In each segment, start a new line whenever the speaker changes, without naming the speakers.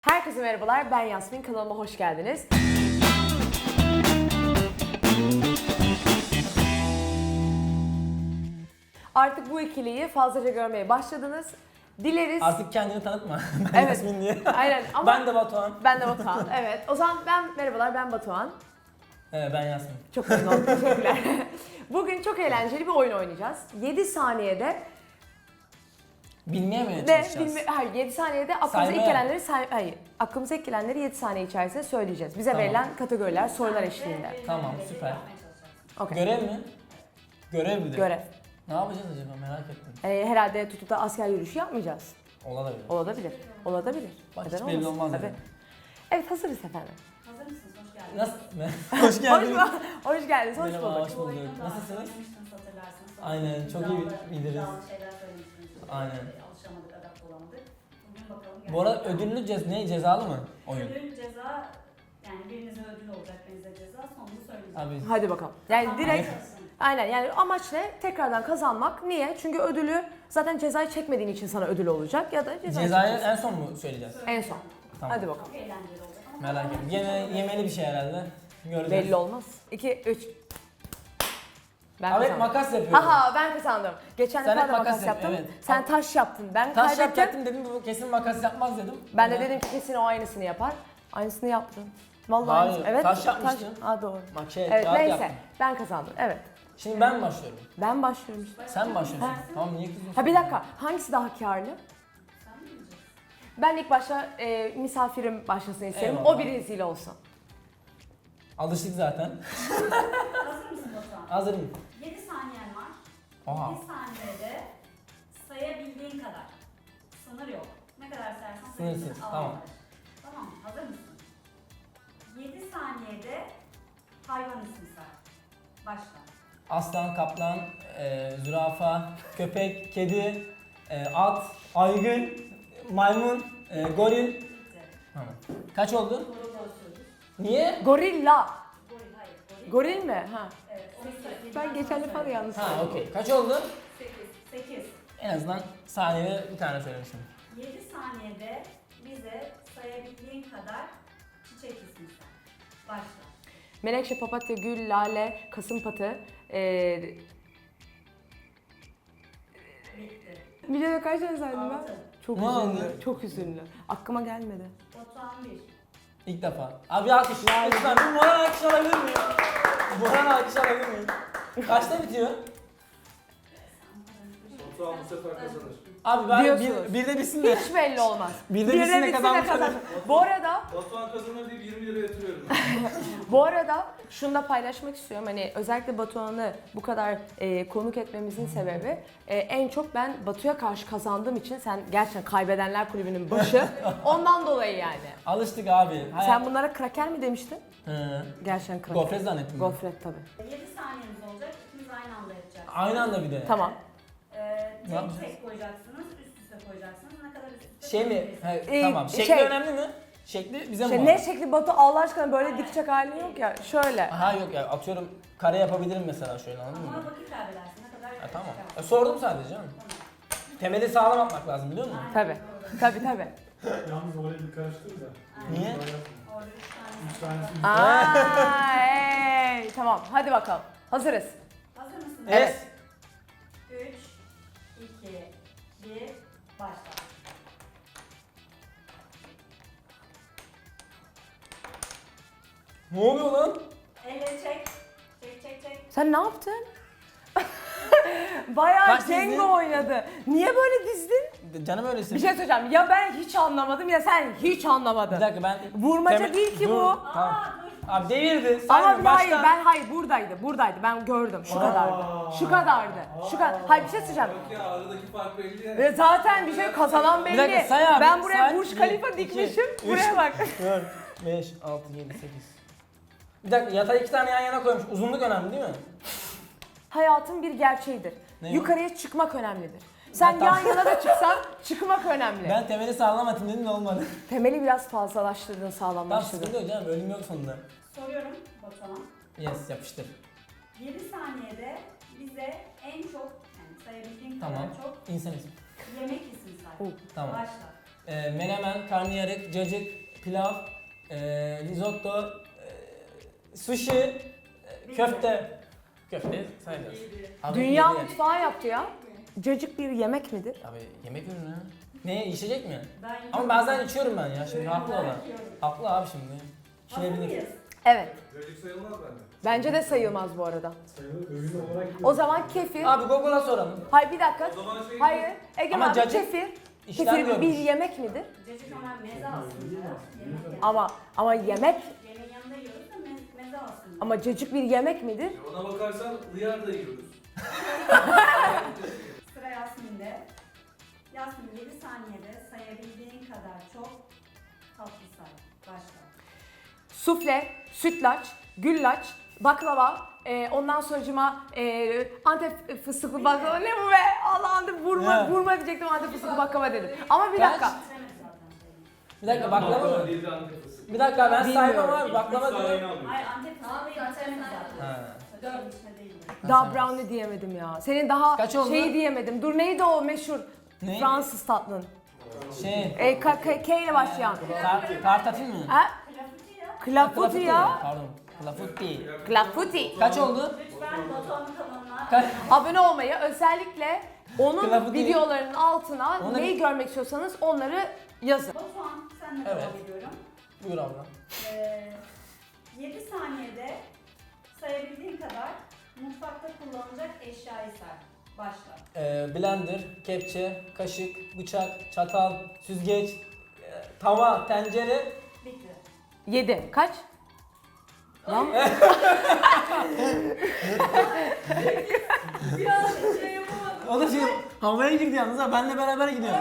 Herkese merhabalar, ben Yasmin. Kanalıma hoş geldiniz. Artık bu ikiliyi fazlaca görmeye başladınız. Dileriz...
Artık kendini tanıtma. Ben
Evet.
Yasmin diye.
Aynen ama...
Ben de Batuhan.
Ben de Batuhan, evet. O zaman merhabalar, ben Batuhan.
Evet, ben Yasmin.
Çok memnun oldum, teşekkürler. Bugün çok eğlenceli bir oyun oynayacağız. 7 saniyede...
Bilmeye mi
Ve
çalışacağız?
hayır, 7 saniyede aklımıza ilk gelenleri aklımıza ilk gelenleri 7 saniye içerisinde söyleyeceğiz. Bize
Tamam.
verilen kategoriler, sorular eşliğinde.
Tamam, süper.
Okay.
Görev mi? Görev bir de.
Görev.
Ne yapacağız acaba, merak ettim.
Herhalde tutup da asker yürüyüşü yapmayacağız.
Olabilir.
Olabilir. Olabilir.
Bak,
Neden
hiç belli
olmasın?
olmaz
Tabii.
yani.
Evet, hazırız efendim.
Hazır mısınız? Hoş geldiniz.
Nasıl? Hoş geldiniz.
Hoş geldiniz, hoş
Merhaba,
bulduk.
hoş
Bu
bulduk.
oyunu daha
Nasılsınız?
oynamıştınız, hatırlarsınız.
Aynen, çok iyi biliriz.
İddialı şeyler söylemiştiniz.
Aynen.
Alışamadık, adapte olamadık. Bugün bakalım.
Bu arada ödüllü cezalı mı oyun?
Ödül ceza, yani birinize ödül olacak, birinize ceza. Sonunu söyleyeceğim.
Abi,
Hadi bakalım. Yani
Tamam,
direkt
başlasın.
aynen, yani amaç ne? Tekrardan kazanmak. Niye? Çünkü ödülü zaten cezayı çekmediğin için sana ödül olacak ya da cezayı
cezayı
çekeceksin.
en son mu söyleyeceğiz?
En son.
Tamam.
Hadi bakalım.
Çok eğlenceli olacak ama
Merak ettim. Yemeli bir şey herhalde. Göreceğiz.
Belli olmaz. 2, 3. Ben
Abi
kazandım.
makas yapıyorum.
Haha, ben kazandım. Geçen
Sen
defa
hep
da
makas
makas
yap,
yaptım.
evet.
Sen taş yaptın. Ben
Taş
kaybettim.
yapacaktım dedim, bu kesin makas yapmaz dedim.
Ben de dedim ki kesin o aynısını yapar. Aynısını yaptın. Vallahi
Hayır,
aynısını. Evet.
taş yapmıştın.
Aa, doğru.
Bak
Evet,
kağıt
neyse.
yaptım.
Ben kazandım. Evet.
Şimdi ben mi başlıyorum?
Ben başlıyorum işte.
Sen başlıyorsun. Tamam, niye kızıyorsun?
Ha, bir dakika. Hangisi daha karlı?
sen mi bileceksin?
Ben ilk başta misafirim başlasın isterim.
Eyvallah.
O bir rezil olsun.
Alıştık zaten.
Hazır mısın Batuhan?
Hazırım.
7 saniyen var.
Oha.
7 saniyede sayabildiğin kadar. Sınır yok. Ne kadar sayarsan
Sınırsız,
sayabilirsin.
tamam.
Avantaj. Tamam mı? Hazır mısın? 7 saniyede hayvan ismi say. Başla.
Aslan, kaplan, zürafa, köpek, kedi, at, aygın, maymun, goril.
Bitti.
Tamam. Kaç oldu?
Doğru söylüyorsun.
Niye?
Gorilla.
Goril, hayır.
Goril mi? Ha.
Evet.
Ben geçen defa da yanlış
Ha,
söyledim.
okey. Kaç oldu?
8.
En azından saniyede bir tane söylemişim.
7 saniyede bize sayabildiğin kadar çiçek ismi say. Başla.
Menekşe, papatya, gül, lale, kasımpatı.
Bitti.
Videoda kaç tane saydım ben?
6.
Çok
Ne oldu?
üzüldüm. Çok üzüldüm. Aklıma gelmedi.
Batuhan 1.
İlk defa. Abi alkış. Lütfen bir moral alkış alabilir miyim? Moral alkış alabilir miyim? Kaçta bitiyor?
Batuhan bu sefer kazanır.
Abi ben
Diyorsunuz.
bir de bitsin de.
Hiç belli olmaz.
Bir de
Bir
bitsin de
bitsin de
kazanmış
kazan. Bu arada
Batuhan kazanır deyip 20 lira yatırıyorum.
Bu arada şunu da paylaşmak istiyorum. Hani özellikle Batuhan'ı bu kadar konuk etmemizin sebebi en çok ben Batu'ya karşı kazandığım için, sen gerçekten kaybedenler kulübünün başı. Ondan dolayı yani.
Alıştık abi.
Sen bunlara kraker mi demiştin?
Hı.
Gerçekten kraker.
Gofret zannettim ben.
Gofret tabii.
7 saniyeniz olacak. İkiniz aynı anda yapacaksınız.
Aynı anda bir de.
Tamam.
Ne yapacağız?
Tek tek koyacaksınız, üst üste koyacaksınız. Ne kadar üst üste
Şey mi?
koyabilirsiniz.
He, tamam. Şekli
şey-
önemli mi? Şekli bize mi?
Şey,
bağlı?
ne şekli Batu, Allah aşkına böyle dikecek halin yok ya. Şöyle.
Aha, yok ya, atıyorum kare yapabilirim mesela şöyle, anladın
Ama
mı?
vakit kaybedersin. Ne kadar
Ha, tamam.
çıkar.
Sordum sadece canım. Temeli sağlam atmak lazım, biliyor musun?
Aynen,
Tabii.
doğru.
Tabii.
Yalnız orayı bir karıştır da.
Niye?
Orada 3 tane.
Üç tanesi
Aa, hey. Tamam, hadi bakalım. Hazırız.
Hazır mısınız?
Evet.
3, 2, 1, başla.
Ne oluyor lan?
Elle çek. Çek.
Sen ne yaptın? Bayağı
Kaç dizdin?
Cengo oynadı. Niye böyle dizdin?
Canım öylesin.
Bir şey söyleyeceğim. Ya ben hiç anlamadım ya sen hiç anlamadın.
Bir dakika, ben...
Vurmaca değil ki
Dur,
bu.
Tamam.
Aa dur.
Abi devirdi.
Ama
Sayma,
hayır,
baştan.
buradaydı. Ben gördüm. Şu kadardı. Şu kadardı. Hayır, bir şey söyleyeceğim.
Yok ya, aradaki fark belli ya.
Ve zaten bir şey kazanan belli.
Bir dakika, say abi,
Ben buraya
say.
Burj Khalifa
Bir, iki,
dikmişim.
üç.
Buraya bak.
4, 5, 6, 7, 8. Bir dakika, yatağı 2 tane yan yana koymuş. Uzunluk önemli değil mi?
Hayatın bir gerçeğidir.
Ne?
Yukarıya çıkmak önemlidir. Sen
Ha,
yan
tamam.
yana da çıksan çıkmak önemli.
Ben temeli sağlam atayım dedim de olmadı.
Temeli biraz fazlalaştırdın,
Tamam,
sağlamlaştırdın.
sıkıntı yok canım, ölüm yok sonunda.
Soruyorum Batuhan.
Yes, yapıştır.
7 saniyede bize en çok, yani sayabildiğin
Tamam.
kadar çok
İnsan ismi.
yemek ismi say.
Oh,
tamam.
Başla.
menemen, karnıyarık, cacık, pilav, risotto, sushi, köfte. Köfte sayacağız. Abi,
Dünya
yedi.
mutfağı yaptı ya. Cacık bir yemek midir?
Abi yemek ürünü. Ne, içecek mi?
Ben
Ama bazen içiyorum ben ya, şimdi haklı olan.
yiyorum.
Haklı abi şimdi.
Hazır
İçilebilir.
mıyız?
Evet.
Cacık sayılmaz bence.
Bence de sayılmaz bu arada.
Sayılır. Öğün olarak
O zaman kefir.
Abi Google'a soralım.
Hayır bir dakika.
O zaman şey
Hayır. Egemen
Ama
abi
cacık
kefir.
İşten
Kefir bir
görmüş.
yemek midir?
Cacık ama meze aslında. Yemek yani.
Ama yemek.
Yemeğin yanında yiyoruz da meze aslında.
Ama cacık bir yemek midir?
Ona bakarsan hıyar da yiyoruz.
Sıra Yasmin'de. Yasmin 7 saniyede sayabildiğin kadar çok tatlı say. Başla.
Sufle, sütlaç, güllaç, baklava, ondan sonracıma Antep fıstıklı baklava. Ne bu be? Allah'ım vurma diyecektim, Antep fıstıklı baklava dedim. Ama bir
Kaç?
dakika.
Bitiremedi zaten.
Bir dakika baklava mı?
Değil de Antep fıstığı.
Bir dakika ben
Bilmiyorum.
saymam abi, baklava
Üç saniye
diyorum.
alıyor.
Hayır Antep fıstığı bitiremedi zaten.
Ha.
4 içine değil.
Daha brownie diyemedim ya. Senin daha
Kaç oldu?
şeyi diyemedim. Dur neydi o meşhur
Ne?
Fransız tatlın?
Şey,
K ile başlayan.
tartatin mi?
Ha?
Klafuti ya.
Klafuti ya.
Pardon, klafuti.
Klafuti.
Kaç oldu?
Lütfen Batuhan'ın kanalına
Kaç?
Abone olmayı, özellikle onun
Klafuti.
videolarının altına
Ona-
neyi görmek istiyorsanız onları yazın.
Batuhan senle
Evet.
devam ediyorum.
Buyur abla.
7 saniyede sayabildiğin kadar mutfakta kullanılacak eşyayı say. Başla.
Blender, kepçe, kaşık, bıçak, çatal, süzgeç, tava, tencere.
Bitti.
7. Kaç? Lan
O da şey havaya girdi yalnız ha, benle beraber gidiyor.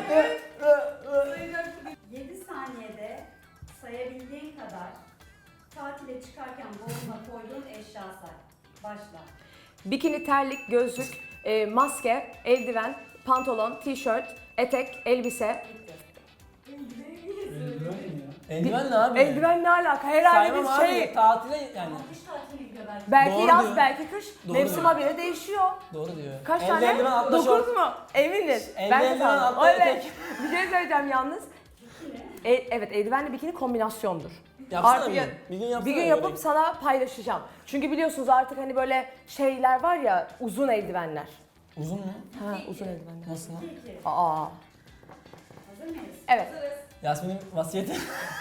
7 saniyede sayabildiğin kadar tatile çıkarken boğazına koyduğun eşya say. Başla.
bikini, terlik, gözlük, maske, eldiven, pantolon, tişört, etek, elbise.
Bitti.
Eldiven mi ya?
Eldiven ne abi?
Eldiven ne alaka? Herhalde
Saymam
bir
abi,
şey.
tatile yani.
Ama kış tatiline gidiyor belki.
Belki
Doğru
yaz,
diyor.
belki kış.
Doğru
Mevsim
diyor.
habire değişiyor.
Doğru diyor.
Kaç
Elde
tane?
eldiven, altta
9
şort.
mu? Eminiz.
Elde
Ben de
eldiven,
sandım.
altta
Evet.
etek.
Bir şey söyleyeceğim yalnız. Evet, eldivenle bikini kombinasyondur.
Yapsana
Artık
bir
ya-
gün. Bir gün yapsana.
Bir gün
böyle.
yapıp sana paylaşacağım. Çünkü biliyorsunuz artık hani böyle şeyler var ya, uzun eldivenler.
Uzun mu?
Ha, uzun eldivenler.
Nasıl lan?
2.
Aa.
Hazır mıyız?
Evet.
Yasmin'in vasiyeti.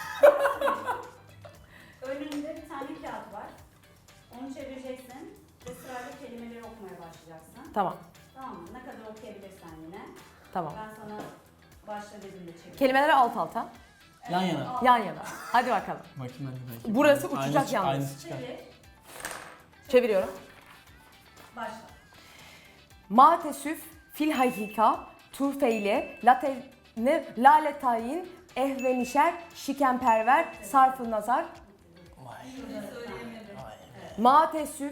Önünde bir tane kağıt var. Onu çevireceksin ve sırayla kelimeleri okumaya başlayacaksın.
Tamam.
Tamam mı? Ne kadar okuyabilirsen yine.
Tamam.
Ben sana başla dediğimde çevir.
Kelimeleri alt alta,
Yan yana.
yan yana. Hadi bakalım.
Bakayım ben de belki.
Burası
Aynısı
uçacak
çık-
yalnız.
Aynısı çıkar.
Çevir.
Çeviriyorum.
Başla.
Matesüf, fil hakika, tufeyle, lale tayin, ehvenişer, şikenperver, sarfı nazar.
Vay. Vay.
Matesüf,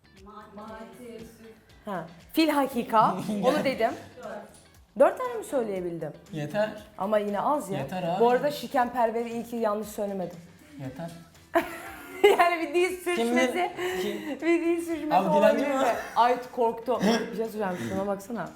ha, fil hakika, onu dedim. 4 tane mi söyleyebildim?
Yeter.
Ama yine az ya.
Yeter abi.
Bu arada şikenperveri iyi ki yanlış söylemedim.
Yeter.
Yani bir dil sürçmesi,
Kim?
bir dil sürçmesi
Abi dilenci
olabilir
mi?
mi? Ay korktu. Bir şey söyleyeceğim, şuna baksana.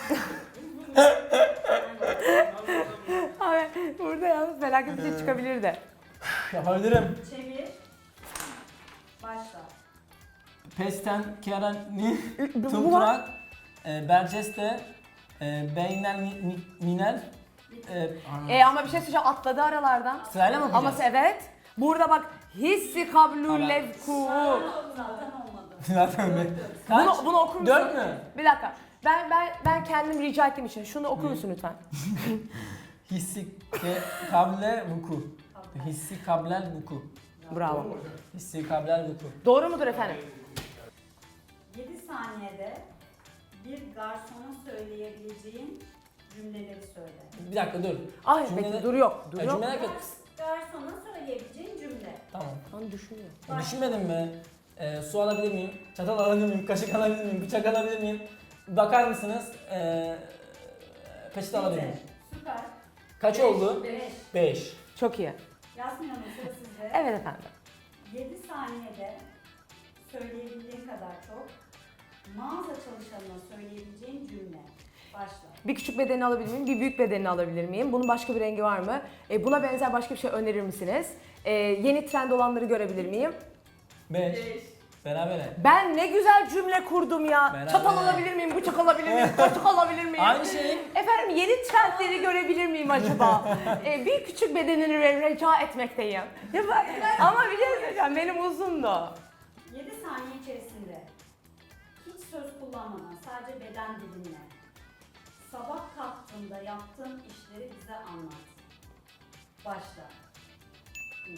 Abi burada yalnız felaket bir şey çıkabilirdi.
Yapabilirim.
Çevir. Başla.
Pesten, kerani,
Bu var.
tuprak, berceste, beynel, minel.
Ama bir şey söyleyeceğim, atladı aralardan.
Sırayla mı
Ama
okuyacağız?
evet. Burada bak hissi kablul levku.
Zaten olmadı.
Zaten ben. Kaç?
Bunu okur musun?
4 mü?
Bir dakika. Ben kendim rica ettiğim için şunu okur musun lütfen?
Hissi kable vuku. Hissi kablel vuku.
Bravo.
Hissi kablel vuku.
Doğru mudur efendim?
7 saniyede bir garsona söyleyebileceğin cümleleri söyle.
Bir dakika dur.
Ay
Cümle-
bekle, dur yok. Dur
Ya
yok.
cümleler kötü.
Garsona söyleyebileceğin cümle.
Tamam.
Lan düşünüyor.
Düşünmedim mi? Su alabilir miyim? Çatal alabilir miyim? Kaşık alabilir miyim? Bıçak alabilir miyim? Bakar mısınız? Peçete alabilir miyim?
Süper.
Kaç oldu?
5.
5.
Çok iyi.
Yasmin Hanım sıra sizde.
Evet efendim.
7 saniyede söyleyebildiğin kadar çok mağaza çalışanına söyleyebileceğin cümle. Başla.
Bir küçük bedenini alabilir miyim? Bir büyük bedenini alabilir miyim? Bunun başka bir rengi var mı? Buna benzer başka bir şey önerir misiniz? Yeni trend olanları görebilir miyim?
5. Berabere.
Ben ne güzel cümle kurdum ya.
Beraber.
Çatal alabilir miyim? Bıçak alabilir miyim? Kaşık alabilir miyim?
Aynı şey.
Efendim yeni trendleri görebilir miyim acaba? Bir küçük bedenini rica etmekteyim. Ama bir şey söyleyeceğim, benim uzundu.
7 saniye içerisinde hiç söz kullanmadan sadece beden dilinle sabah kalktığında yaptığın işleri bize anlat. Başla. 1.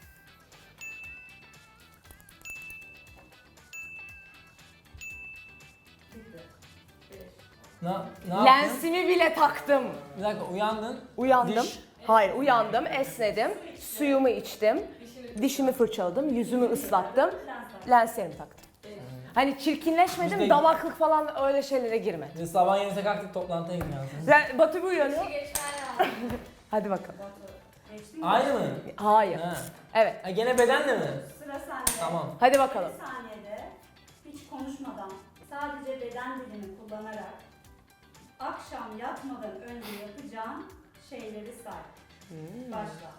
Bitti. 5.
Ne yaptın?
Lensimi bile taktım.
Bir dakika uyandın.
Uyandım.
Diş.
Hayır, uyandım, esnedim, suyumu içtim, dişimi fırçaladım, yüzümü ıslattım, lenslerimi taktım. Hani çirkinleşmedim,
Biz de-
damaklık falan öyle şeylere girme.
Biz sabah 7'de kalktık toplantıya gitmiyoruz.
Batu bir uyanıyor. Hadi bakalım.
Geçtin mi?
Aynı mı?
Hayır.
Ha.
Evet.
Ha, gene bedenle mi?
Sıra sende.
Tamam.
Hadi bakalım.
7 saniyede hiç konuşmadan sadece beden dilini kullanarak akşam yatmadan önce yapacağın şeyleri say. Başla.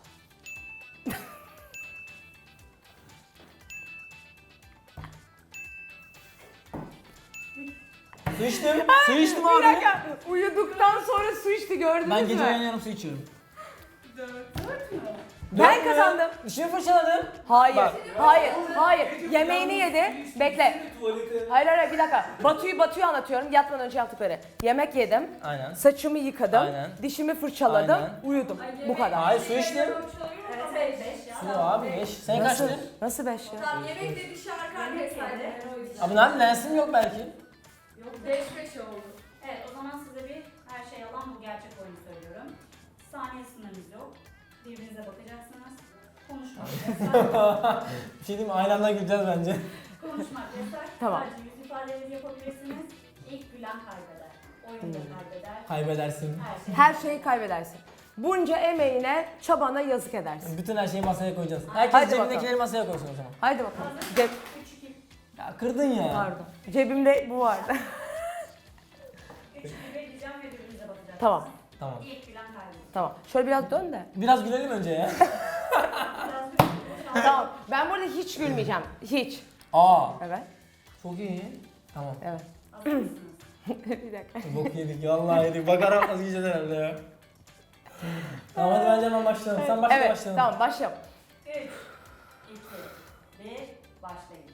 Su içtim. Su içtim
Bir
abi.
dakika, uyuduktan sonra su içti gördünüz
Ben
mü?
gece uyanıyorum su içiyorum.
4 mü?
Ben
Dört mü?
kazandım.
Dişimi fırçaladım.
Hayır,
Bak.
hayır. Yemeğini yedi. Bekle.
Tuvalete.
Hayır, bir dakika. Batu'yu anlatıyorum. Yatmadan önce yaptıkları. Yemek yedim.
Aynen.
Saçımı yıkadım.
Aynen.
Dişimi fırçaladım.
Aynen.
uyudum. Bu kadar.
Hayır su içtim.
Evet, 5 ya.
Su abi 5. Sen
Nasıl?
kaçtı?
Nasıl 5 ya?
Tamam yemek de dışarı
Yemek
arkadaşlar.
yedi.
Abi nerede lensim yok belki.
Yok.
5-5 oldu.
Evet, o zaman size bir her şey yalan bu gerçek oyunu söylüyorum. Saniye sınırınız yok. Birbirinize bakacaksınız. Konuşmak yasak.
Bir şey diyeyim mi? Aynı anda güleceğiz bence.
Konuşmak yasak.
Tamam.
Sadece yüz ifadeleri yapabilirsiniz. İlk gülen kaybeder. Oyunda kaybeder.
Kaybedersin.
Her şey.
Her şeyi kaybedersin. Bunca emeğine, çabana yazık edersin.
Bütün her şeyi masaya koyacağız. Herkes
Hadi
cebindekileri
bakalım.
masaya koysun o zaman.
Haydi bakalım.
Hazır. 3-2.
Ya kırdın ya.
Pardon. Cebimde bu vardı.
3-2 diyeceğim ve birbirinize bakacaksınız.
Tamam.
Tamam.
İlk gülen kaybeder.
Tamam. Şöyle biraz dön de.
Biraz gülelim önce ya.
Biraz bir
Tamam. Ben burada hiç gülmeyeceğim. Hiç.
Aa.
Evet.
Çok iyi. Tamam.
Evet.
Hazır mısınız?
Bir dakika.
Bok yedik vallahi yedik. Bakarak vazgeçeceğiz herhalde ya. Tamam hadi bence hemen başlayalım. Sen başla
Evet.
başlayalım.
Tamam başlayalım.
3, 2, 1, başlayın.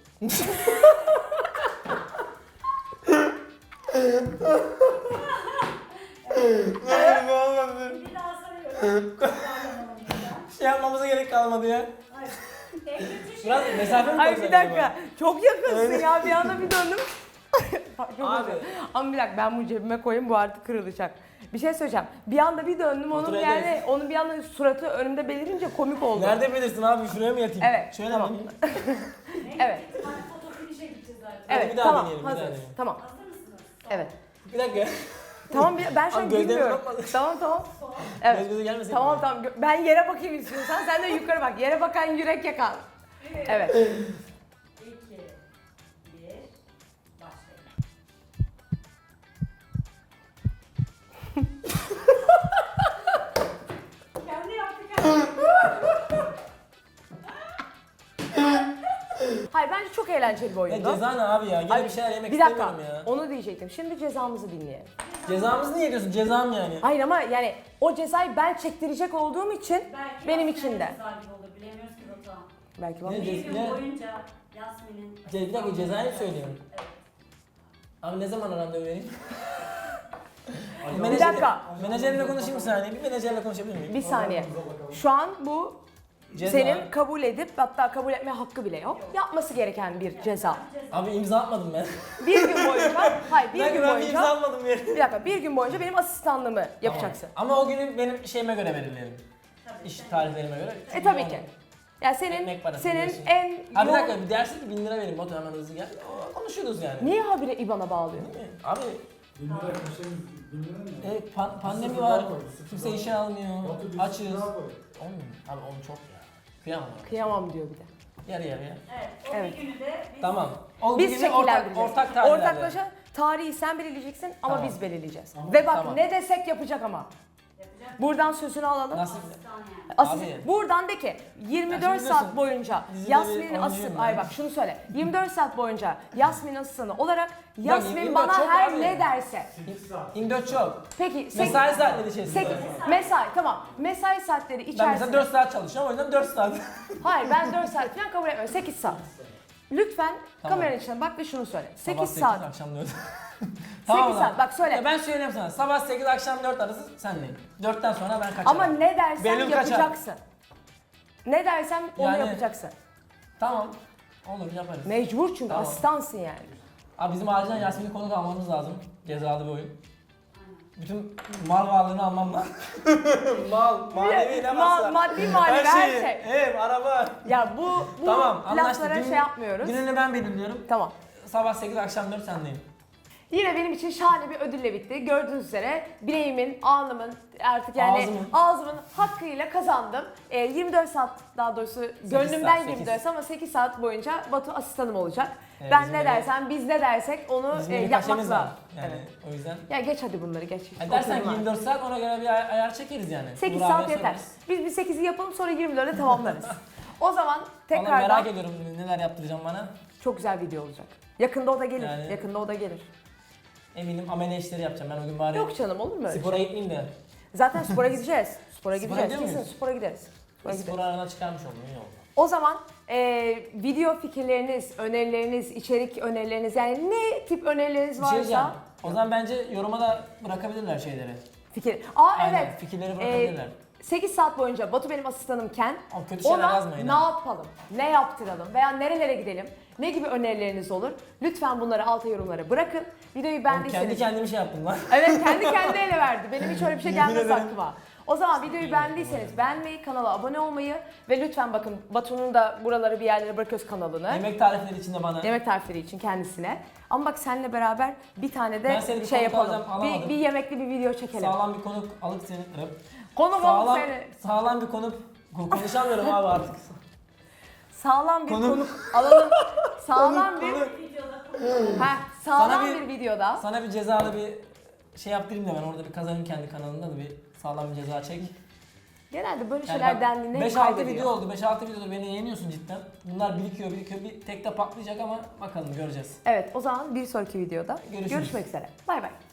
Hayır bu olmadı.
Bir daha sayıyorum.
Bir şey yapmamıza gerek kalmadı ya.
Hayır. En kötü şey.
Biraz mesafe mi
Ay
koysak
bir dakika.
acaba?
Çok yakınsın ya. Bir anda bir döndüm. Çok
Abi.
özür. Ama bir dakika ben bunu cebime koyayım bu artık kırılacak. Bir şey söyleyeceğim. Bir anda bir döndüm onun
Kontrol
yani
ederiz.
onun bir anda suratı önümde belirince komik oldu.
Nerede bilirsin abi? Şuraya mı yatayım?
Evet,
Şöyle
tamam.
mi?
Evet.
Hadi foto finish'e gideceğiz zaten.
Evet
bir daha
tamam
deneyelim, bir
hazır.
daha deneyelim.
Tamam.
Hazır mısınız? Son.
Evet.
Bir dakika.
Tamam ben şu an
Abi gözlerimi
gülmüyorum.
kapatma.
Tamam.
Son.
Evet.
Göz göze gelmesin.
Tamam. Ben yere bakayım istiyorsan sen de yukarı bak. Yere bakan yürek yakan. Evet.
2, 1, başlayın. Kendi yaptı kendi.
Hayır bence çok eğlenceli bir
Ya
oyundu.
ceza ne abi ya? Gene
Ay,
bir şeyler yemek
bir dakika.
istemiyorum ya.
Onu diyecektim. Şimdi cezamızı dinleyelim.
Cezamız niye diyorsun? Cezam yani.
Hayır ama yani o cezayı ben çektirecek olduğum için
Belki
benim
Yasmin'e
için de.
güzel gibi olur. Bilemiyoruz ki Batuhan.
Belki bana.
Ne?
Bir gün
Ne?
boyunca Yasmin'in...
Bir dakika cezayı mı söylüyorum?
Evet.
Abi ne zaman randevu vereyim?
Bir dakika.
Menajerimle konuşayım bir saniye. Bir menajerle konuşabilir miyim?
Bir saniye. Şu an bu
Ceza.
senin kabul edip hatta kabul etme hakkı bile yok. Yapması gereken bir ceza.
Abi imza atmadım ben.
Bir gün boyunca, hayır bir gün
Ben bir imza
boyunca,
atmadım ya.
bir dakika bir gün boyunca benim asistanlığımı yapacaksın.
Tamam. Ama o günü benim şeyime göre belirleyelim.
Tabii.
İş tarihlerime göre. Çünkü
Tabii
o-
ki. Yani senin
Ekmek parası
senin
biliyorsun.
en
Abi bir
yoğun-
dakika bir dersin ki 1000 lira verin Batu hemen hızlı gel. Konuşuruz yani.
Niye habire IBAN'a bağlıyor?
Değil mi? Abi
1000 lira konuşayım. 1000 lira ne?
evet, pandemi
Sıfır
var.
daha koy, sıfır
Kimse
daha
işe
koy.
almıyor.
Batu bir
Açız.
sıfır daha koy.
10 mu? Abi 10 çok ya. Kıyamam abi.
Kıyamam diyor bir de.
Yarı yarıya.
Evet, o
Evet.
bir günü de biz...
Tamam. O
Biz
bir günü ortak,
şekillendireceğiz.
ortak tarihlerde.
Ortaklaşa Tarihi sen belirleyeceksin ama
Tamam.
biz belirleyeceğiz.
Tamam.
Ve bak
Tamam.
ne desek yapacak ama.
Yapacak.
Buradan sözünü alalım.
Nasıl?
Asistan yani.
Asist, buradan de ki 24
Ya şimdi
saat
biliyorsun,
boyunca
dizide bir
Yasmin'in
oyuncuyum
asistan,
ben.
ay bak şunu söyle. 24 saat boyunca Yasmin asistanı olarak Yasmin
24
bana
çok
her
abi.
ne derse.
8 saat.
24 çok.
Peki
Mesai saatleri içerisinde.
mesai tamam. Mesai saatleri
Ben
içerisinde.
mesela 4 saat çalışıyorum, o yüzden 4 saat.
Hayır ben 4 saat falan kabul etmiyorum. 8 saat. Lütfen
Tamam.
kameranın içine bak ve şunu söyle.
Sabah
8
8,
saat.
akşam 4.
8 saat bak söyle.
Ya ben söyleyeyim sana, sabah 8 akşam 4 arası senleyim. 4'ten sonra ben kaçarım.
Ama ne dersen
Benim kaçar.
yapacaksın. Ne dersen onu
Yani-
yapacaksın.
Tamam, olur yaparız.
Mecbur çünkü
Tamam.
asistansın yani.
Abi bizim acilen Yasmin'i konuk almamız lazım. Cezalı bir oyun.
Aynen.
Bütün mal varlığını almam lazım. Manevi ne varsa.
Maddi manevi her şey.
Ev, araba.
Ya bu
Tamam, anlaştık.
laflara şey yapmıyoruz.
Gününü ben belirliyorum.
Tamam.
Sabah 8 akşam 4 sendeyim.
Yine benim için şahane bir ödülle bitti. Gördüğünüz üzere bileğimin, alnımın artık yani ağzımın hakkıyla kazandım. 24 saat daha doğrusu gönlümden
saat,
24 ama 8 saat boyunca Batu asistanım olacak.
Evet,
Ben
bizim
ne
öyle-
dersem, biz ne dersek onu
Bizim bir
yapmak
kaşemiz var.
lazım.
Yani
Evet.
o yüzden.
Ya geç hadi bunları geç.
Dersen
Oturma.
24 saat ona göre bir ayar çekeriz yani.
8
Uğur
saat
abiye
yeter.
sorarız.
Biz bir 8'i yapalım sonra 24'e tamamlarız. O zaman
Vallahi
tekrardan
merak ediyorum neler yaptıracağım bana.
çok güzel video olacak. Yakında o da gelir.
Yani-
Yakında o da gelir.
Eminim amele işleri yapacağım ben o gün bari.
Yok canım olur mu öyle?
Spora gitmeyeyim de.
Zaten spora gideceğiz. Spora
Spora
gideceğiz.
gidiyor
Kesin
muyuz?
spora gideriz. Spora
Spor
gideriz.
arana çıkarmış oldum iyi oldu.
O zaman video fikirleriniz, önerileriniz, içerik önerileriniz yani ne tip önerileriniz
Bir şey diyeceğim.
varsa
O zaman bence yoruma da bırakabilirler şeyleri.
fikir.
Aynen,
Evet.
fikirleri bırakabilirler.
8 saat boyunca Batu benim asistanımken
Ama kötü şeyler
ona
yazmayın
ne
ha.
yapalım, ne yaptıralım veya nerelere gidelim, ne gibi önerileriniz olur? Lütfen bunları alta yorumlara bırakın. Videoyu
Oğlum
beğendiyseniz...
kendi kendime şey yaptım lan.
Evet kendi ele verdi. Benim hiç öyle bir şey
Yemin
gelmez
ederim.
aklıma. O zaman videoyu
İyi
beğendiyseniz
yaptım,
beğenmeyi, kanala abone olmayı ve lütfen bakın Batu'nun da buraları bir yerlere bırakıyoruz kanalını.
Yemek tarifleri içinde bana.
Yemek tarifleri için kendisine. Ama bak seninle beraber bir tane
Ben
de
seni bir
şey
konuk
yapalım.
alacağım, alamadım.
Bir yemekli bir video çekelim.
Sağlam bir konuk alıp seni.
Konuk
Sağlam,
seni.
sağlam bir konuk. Konuşamıyorum abi artık.
Sağlam bir
Konuk.
konuk alalım. Sağlam bir
Konuk.
Videoda
sağlam
Sana
bir videoda.
Sana bir cezalı bir şey yaptırayım da ben orada bir kazanayım kendi kanalımda da bir sağlam bir ceza çek.
Genelde böyle
Yani
şeyler
bak,
dendiğinde hep
5-6
kaybediyor.
video oldu. 5-6 videoda beni yeniyorsun cidden. Bunlar birikiyor. Bir tek de patlayacak ama bakalım göreceğiz.
Evet o zaman bir sonraki videoda
Görüşürüz.
görüşmek üzere. Bay bay.